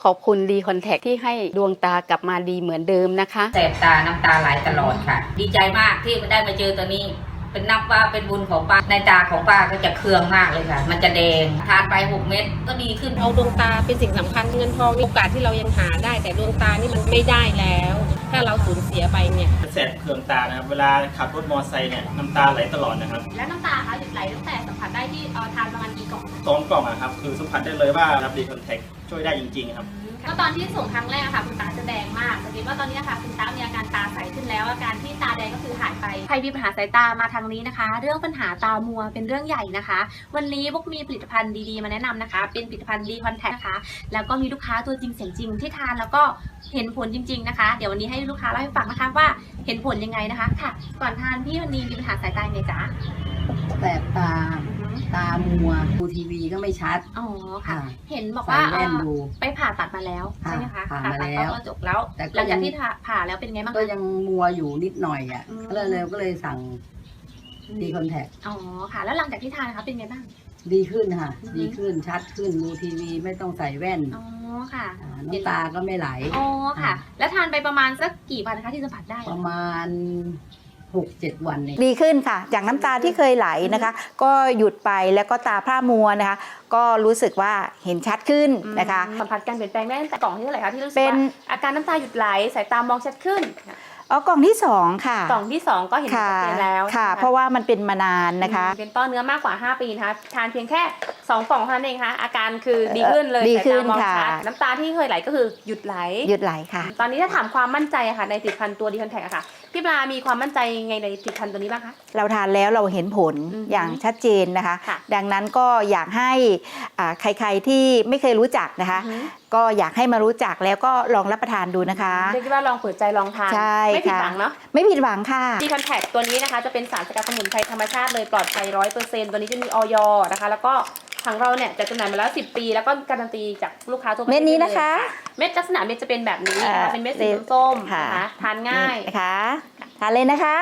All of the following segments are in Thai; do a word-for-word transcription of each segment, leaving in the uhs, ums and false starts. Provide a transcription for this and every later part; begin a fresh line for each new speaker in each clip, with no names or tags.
ขอบคุณดีคอนแทคที่ให้ดวงตากลับมาดีเหมือนเดิมนะคะ
แสบตาน้ำตาไหลตลอดค่ะดีใจมากที่ได้มาเจอตัวนี้เป็นนับว่าเป็นบุญของป้าในตาของป้าก็จะเคืองมากเลยค่ะมันจะแดงทานไปหกเม็ดก็ดีขึ้น
เอาดวงตาเป็นสิ่งสำคัญเงินทองโอกาสที่เรายังหาได้แต่ดวงตานี่มันไม่ได้แล้วถ้าเราสูญเสียไปเนี่ย
แสบเคืองตานะครับเวลาขับรถมอเตอร์ไซค์เนี่ยน้ำตาไหลตลอดนะครับ
แล้วน้ำตาคะหยุดไหลตั้งแต่สัมผัสได้ที่เอ่อทานประมาณกี่กล่อง
สองกล่องอะครับคือสัมผัสได้เลยว่ารับดีคอนแทคช่วยได้จริงๆครับ
ก็ตอนที่ส่งครั้งแรกค่ะคุณตาจะแดงมากแต่คิดว่าตอนนี้ค่ะคุณตามีอาการตาใสขึ้นแล้วอาการที่ตาแดงก็คือหายไปใครมีปัญหาสายตามาทางนี้นะคะเรื่องปัญหาตามัวเป็นเรื่องใหญ่นะคะวันนี้พวกมีผลิตภัณฑ์ดีๆมาแนะนำนะคะเป็นผลิตภัณฑ์ดีคอนแทคนะคะแล้วก็มีลูกค้าตัวจริงเสียงจริงที่ทานแล้วก็เห็นผลจริงๆนะคะเดี๋ยววันนี้ให้ลูกค้าเล่าให้ฟังนะคะว่าเห็นผลยังไงนะคะค่ะก่อนทานพี่วันนี้มีปัญหาสายตาไงจ๊ะ
แสบตาตามัวดูทีวีก็ไม่ชัด
อ๋อค่ะเห็นบอกว่าไปผ่าตัดมาแล้วใช่ไหมคะ
ผ่ามาแล้ว
ก็จบแล้วหลังจากที่ผ่าแล้วเป็นไงบ้าง
ก็ยังมัวอยู่นิดหน่อยอ่ะก็เลยก็เลยสั่งดีคอนแทค
อ๋อค่ะแล้วหลังจากที่ทานนะคะเป็นไงบ้าง
ดีขึ้นค่ะดีขึ้นชัดขึ้นดูทีวีไม่ต้องใส่แว่น
อ๋อค่ะ
น้ำตาก็ไม่ไหล
อ๋อค่ะแล้วทานไปประมาณสักกี่วันนะคะที่สัมผัสได้
ประมาณหกเจ็ดวันเอง
ดีขึ้นค่ะจากน้ำตาที่เคยไหลนะคะก็หยุดไปแล้วก็ตาพร่ามัวนะคะก็รู้สึกว่าเห็นชัดขึ้นนะคะ
สัมผัสการเปลี่ยนแปลงได้ตั้งแต่กล่องที่เท่าไหร่คะที่รู้สึกว่าอาการน้ำตาหยุดไหลสายตามองชัดขึ้น
อ๋อกล่องที่สองค่ะ
กล่องที่สองก็เห็นชัดเจนแล้ว
ค่ะเพราะว่ามันเป็นมานานนะคะ
เป็นต้อเนื้อมากกว่าห้าปีนะคะทานเพียงแค่สองกล่องเท่านั้นเองค่ะอาการคือดีขึ้นเลย
ดีขึ้นค่ะ
น้ำตาที่เคยไหลก็คือหยุดไหล
หยุดไหลค่ะ
ตอนนี้ถ้าถามความมั่นใจค่ะในผลิตภัณฑ์ตัวดีคอนแทคค่ะพี่ปลามีความมั่นใจไงในผลิตภัณฑ์ตัวนี้บ้างคะ
เราทานแล้วเราเห็นผลอย่างชัดเจนนะคะดังนั้นก็อยากให้ใครๆที่ไม่เคยรู้จักนะคะก็อยากให้มารู้จักแล้วก็ลองรับประทานดูนะคะ
เรียกว่าลองเปิดใจลองทานไม่ผิดหวังเนาะ
ไม่ผิดหวังค่ะ
ดีคอนแทคตัวนี้นะคะจะเป็นสารสกัดสมุนไพรธรรมชาติเลยปลอดภัยร้อยเปอร์เซ็นต์ตัวนี้จะมีออยนะคะแล้วก็ทางเราเนี่ยจะจำหน่ายมาแล้วสิบปีแล้วก็การันตีจากลูกค้าทั่วประเทศ
เม็ดนี้นะคะ
เม็ดลักษณะเม็ดจะเป็นแบบนี้นะคะเป็นเม็ดสีส้มนะคะทานง่าย
นะคะทานเลยนะคะ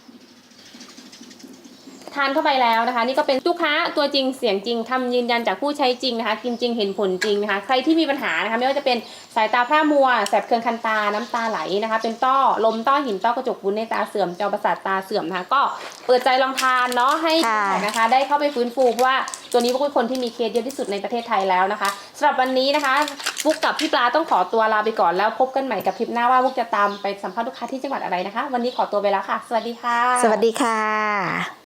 ทานเข้าไปแล้วนะคะนี่ก็เป็นลูกค้าตัวจริงเสียงจริงคำยืนยันจากผู้ใช้จริงนะคะกินจริงเห็นผลจริงนะคะใครที่มีปัญหานะคะไม่ว่าจะเป็นสายตาพร่ามัวแสบเคืองคันตาน้ำตาไหลนะคะเป็นต้อลมต้อหินต้อกระจกวุ้นในตาเสื่อมจอประสาทตาเสื่อมนะคะก็เปิดใจลองทานเนาะให้นะคะได้เข้าไปฟื้นฟูเพราะว่าตัวนี้พวกเป็นคนที่มีเคสเยอะที่สุดในประเทศไทยแล้วนะคะสำหรับวันนี้นะคะฟุกกับพี่ปลาต้องขอตัวลาไปก่อนแล้วพบกันใหม่กับคลิปหน้าว่าฟุกจะตามไปสัมภาษณ์ลูกค้าที่จังหวัดอะไรนะคะวันนี้ขอตัวไปแล้วค่ะสวัสดีค่ะ
สวัสดีค่ะ